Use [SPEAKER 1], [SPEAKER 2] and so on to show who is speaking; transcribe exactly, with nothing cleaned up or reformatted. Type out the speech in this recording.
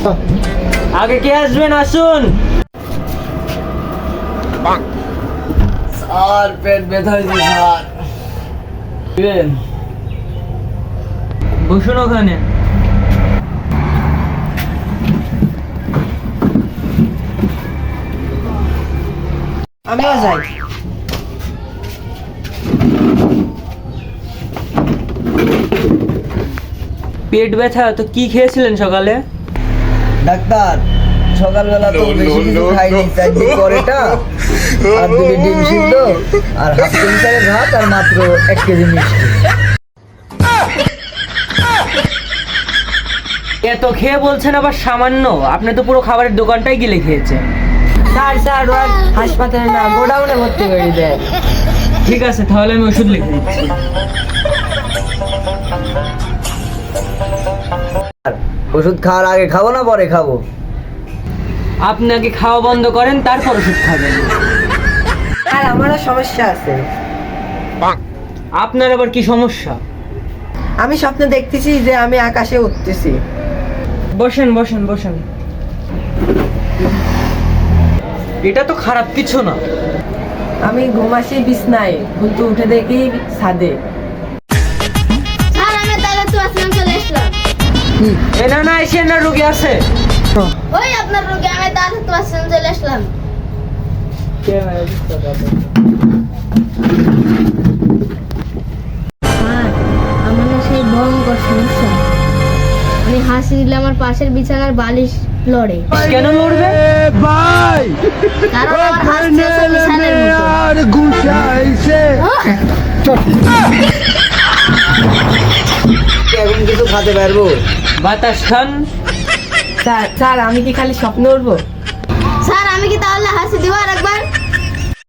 [SPEAKER 1] আগে কে আসবেন আসুন।
[SPEAKER 2] স্যার পেট ব্যথা হয়েছে স্যার। দিবেন?
[SPEAKER 1] বসুন ওখানে।
[SPEAKER 2] আমিও যাই।
[SPEAKER 1] পেট ব্যথা তো কি খেয়েছিলেন সকালে?
[SPEAKER 2] ডাক্তার সকালবেলা তো বেশি কিছু খাইনি, চারটি পরেটা আর দুটি ডিম সিদ্ধ আর হাফ কেজি চালের ভাত আর মাত্র এক কেজি মিষ্টি।
[SPEAKER 1] এত খেয়ে বলছেন আবার সামান্য? আপনি তো পুরো খাবারের দোকানটাই গিলে খেয়েছেন।
[SPEAKER 2] স্যার স্যার ওরা হাসপাতালে না গোডাউনে ভর্তি করে দেয়।
[SPEAKER 1] ঠিক আছে তাহলে আমি ওষুধ লিখে দিচ্ছি।
[SPEAKER 2] ওষুধ খাওয়ার আগে খাবো না পরে খাবো?
[SPEAKER 1] আপনি আগে খাওয়া বন্ধ করেন তারপর ওষুধ খাবেন।
[SPEAKER 2] আর আমারও সমস্যা আছে।
[SPEAKER 1] আপনার আবার কি সমস্যা?
[SPEAKER 2] আমি স্বপ্নে দেখতেছি যে আমি আকাশে উঠতেছি।
[SPEAKER 1] বসেন বসেন বসেন। এটা তো খারাপ কিছু না।
[SPEAKER 2] আমি ঘুমাসি বিছনায় কিন্তু উঠে দেখি ছাদে।
[SPEAKER 3] স্যার আমি তাহলে তো আসলাম চলে আসলাম।
[SPEAKER 1] এ না না এসে না রোগী আছে।
[SPEAKER 3] ওই আপনার রোগী আমি তাহলে তো আসলাম চলে আসলাম। স্যার আমার না সেই ভয়ঙ্কর সমস্যা, আমি হাসি দিলে আমার পাশের বিছানার বালিশ লড়ে।
[SPEAKER 1] কেন লড়বে?
[SPEAKER 3] কারণ আমার হাসি হচ্ছে বিছানার মতো।
[SPEAKER 2] এখন কিছু খাতে পারবো?
[SPEAKER 1] বাতাস খান।
[SPEAKER 2] স্যার স্যার আমি কি খালি স্বপ্ন উঠবো?
[SPEAKER 3] স্যার আমি কি তাহলে হাসি দিব আর একবার?